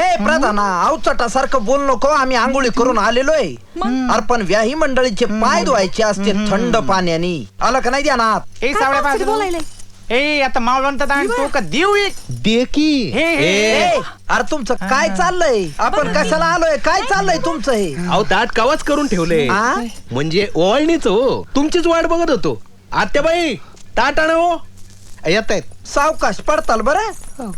प्रधाना अवचटासारखं बोल नको. आम्ही आंघोळी करून आलेलोय. अरे पण व्याही मंडळीचे पाय धुवायचे असते थंड पाण्याने. आलं का नाही ध्यानात? ए सावळ्या बाजू ए आता मावळंत तो का देऊ एक दे की. अरे तुमचं काय चाललंय? आपण कशाला आलोय? काय चाललंय तुमचं हे? अहो ताट कावाच करून ठेवले आ? म्हणजे ओवाळणीच हो. तुमचीच वाट बघत होतो. आत्याबाई ताट आण हो. येत आहेत. सावकाश पडताल बरं.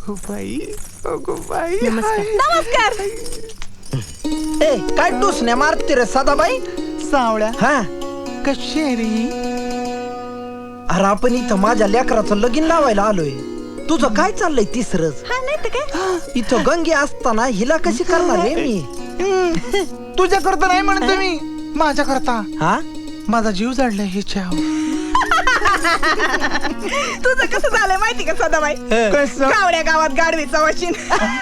नमस्कार. ए काय टुसण्या मारते रे सदाबाई? सावळ्या हा कशेरी अरे आपण इथं माझ्या लेकराचं लगीन लावायला आलोय. तुझं काय चाललंय तिसरच? हा नाही तर काय. इथं गंगे असताना हिला कशी करणार रे मी? तुझ्या करता नाही म्हणतो मी, माझ्या करता. हा माझा जीव जाडलाय ह्याच्या. तुझं कसं झालंय माहिती का सदाबाई? कसं? कावड्या गावात गाडवीचा वशीन.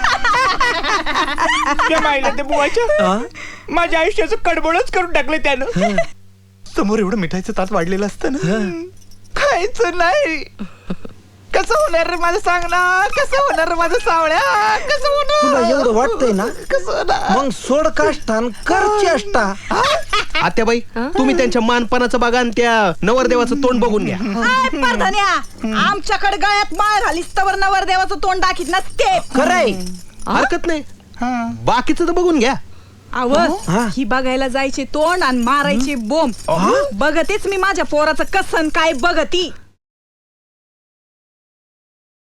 ते बुवाच्या हा? माझ्या आयुष्याचं कडबडच करून टाकलं त्यानं. समोर एवढं मिठाईचं ताट वाढलेलं असतं ना, खायचं नाही. कसं होणार रे माझं, सांग ना. कसं होणार रे माझं सावळ्या? कसं तुला होणार? एवढं वाटतंय ना? कसं होणार? मग सोड काष्टान कर चेष्टा. आत्याबाई तुम्ही त्यांच्या मानपानाचं बघा आणि त्या नवरदेवाचं तोंड बघून घ्या. आय परधन्या, आमच्याकडे गळ्यात माळ घालीस तवर नवरदेवाचं तोंड दाखीत नसते. खरंय. हरकत नाही, हा. बाकीचं तर बघून घ्या. हा. ही बघायला जायची तोंड आणि मारायची बोंब. बघतेच मी माझ्या पोराचं कसन काय बघती.